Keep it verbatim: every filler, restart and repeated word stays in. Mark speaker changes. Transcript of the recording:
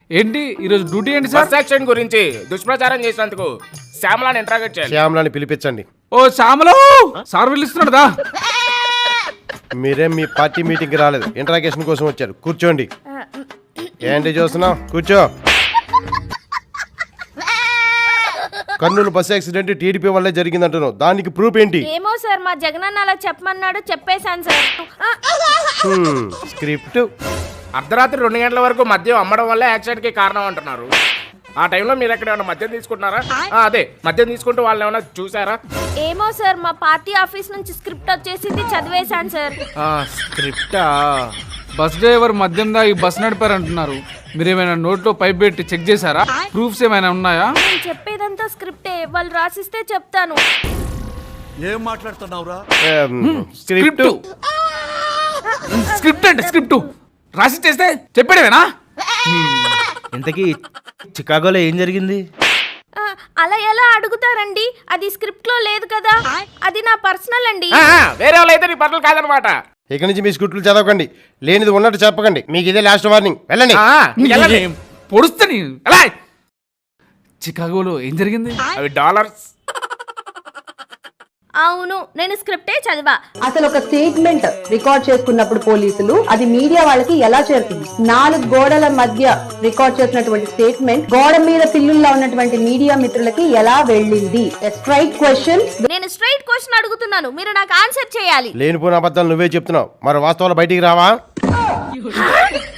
Speaker 1: ఏంటి ఈరోజు డ్యూటీ ఏంటి సార్?
Speaker 2: బస్ యాక్సిడెంట్ గురించి దుష్ప్రచారం చేసినందుకు శ్యామలాని ఇంట్రాగేట్ చేయాలి.
Speaker 3: శ్యామలాని పిలిపించండి.
Speaker 1: ఓ శ్యామలో సార్ పిలుస్తున్నాడుదా?
Speaker 3: మీరేం మీ పార్టీ మీటింగ్ కి రాలేదు, ఇంట్రాగేషన్ కోసం వచ్చారు. కూర్చోండి. ఏంటి చూస్తున్నావు? కూర్చో. కర్నూలు బస్ యాక్సిడెంట్ టీడీపీ వల్లే జరిగిందంటున్నావు, దానికి ప్రూఫ్ ఏంటి?
Speaker 4: ఏమో సార్, మా జగనన్న అలా చెప్పమన్నాడు, చెప్పేశాను సార్.
Speaker 3: స్క్రిప్ట్.
Speaker 2: అర్ధరాత్రి రెండు గంటల వరకు మద్యం అమ్మడం వల్ల యాక్సిడెంట్ కి కారణం అంటున్నారు. ఆ టైంలో మీరు ఎక్కడ ఏమైనా మద్యం తీసుకుంటున్నారా? అదే మద్యం తీసుకుంటూ వాళ్ళు ఏమైనా చూసారా?
Speaker 4: ఏమో సార్, మా పార్టీ ఆఫీస్ నుంచి స్క్రిప్ట్ వచ్చేసింది, చదివేశాను సార్.
Speaker 1: స్క్రిప్టా? బస్ డ్రైవర్ మద్యం దాగి బస్ నడిపారంటున్నారు. మీరేమైనా నోట్లో పైప్ పెట్టి చెక్ చేశారా? ప్రూఫ్స్ ఏమైనా ఉన్నాయా?
Speaker 4: నేను చెప్పేదంతా స్క్రిప్టే, వాళ్ళు రాసిస్తే చెప్తాను.
Speaker 5: ఏం మాట్లాడుతున్నావురా?
Speaker 3: స్క్రిప్ట్.
Speaker 1: స్క్రిప్ట్ అంటే స్క్రిప్ట్ రాసి చేస్తే చెప్పాడేనా?
Speaker 6: ఇంతకీ చికాగోలో ఏం జరిగింది?
Speaker 4: ఆ, అలా ఎలా అడుగుతారండి? అది స్క్రిప్ట్ లో లేదు కదా, అది నా పర్సనల్ అండి.
Speaker 2: ఆ, వేరే వాళ్ళు అయితే నీ పనులు కాదనమాట.
Speaker 3: ఇక నుంచి మీ స్క్రిప్ట్లు చదవకండి, లేనిది ఉన్నట్టు చెప్పకండి. మీకు ఇదే లాస్ట్ వార్నింగ్. వెళ్ళండి.
Speaker 1: పొడుస్తాని ఎలా? చికాగోలో ఏం జరిగింది?
Speaker 2: అవి డాలర్స్.
Speaker 4: అవును, నేను స్క్రిప్టే చదివా.
Speaker 7: అసలు ఒక స్టేట్మెంట్ రికార్డ్ చేసుకున్నప్పుడు పోలీసులు అది మీడియా వాళ్ళకి ఎలా చేరుతుంది? నాలుగు గోడల మధ్య రికార్డ్ చేసినటువంటి స్టేట్మెంట్ గోడ మీద పిల్లుల్లో ఉన్నటువంటి మీడియా మిత్రులకి ఎలా వెళ్ళింది? Straight question.
Speaker 4: నేను స్ట్రైట్ క్వశ్చన్ అడుగుతున్నాను, మీరు నాకు ఆన్సర్ చేయాలి.
Speaker 3: లేనిపోయిన అబద్ధాలు నువ్వే చెప్తున్నావు, మరి వాస్తవాలు బయటికి రావా?